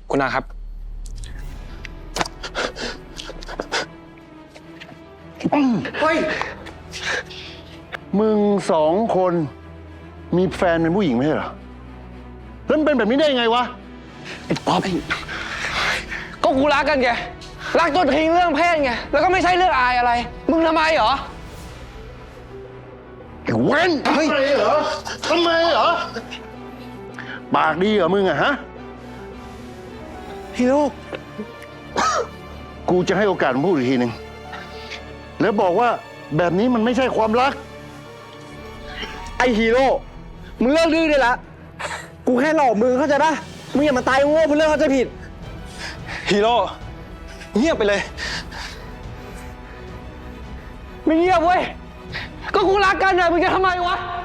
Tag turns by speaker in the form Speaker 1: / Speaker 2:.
Speaker 1: คุณอาครับ
Speaker 2: เฮ้ยมึงสองคนมีแฟนเป็นผู้หญิงไม่ใช่เหรอแล้วมันเป็นแบบนี้ได้ยังไงวะไอ้ป๊อป
Speaker 1: ก็กูรักกันไงรักจนทิ้งเรื่องเพศไงแล้วก็ไม่ใช่เรื่องอายอะไรมึงทำไมเหรอ
Speaker 2: ไอ้เว้นทำไมเหรอทำไมเหรอปากดีเหรอมึงอะฮะ
Speaker 1: ฮีโร่
Speaker 2: กูจะให้โอกาสมึงพูดอีกทีหนึ่งแล้วบอกว่าแบบนี้มันไม่ใช่ความรัก
Speaker 1: ไอฮีโร่มึงเลิกดื้อได้ละกูแค่หลอกมึงเข้าใจปะมึงอย่ามาตายโง่เพื่อเรื่องเข้าใจผิดฮีโร่เงียบไปเลยไม่เงียบเว้ยก็กูรักกันนะมึงจะทำไมวะ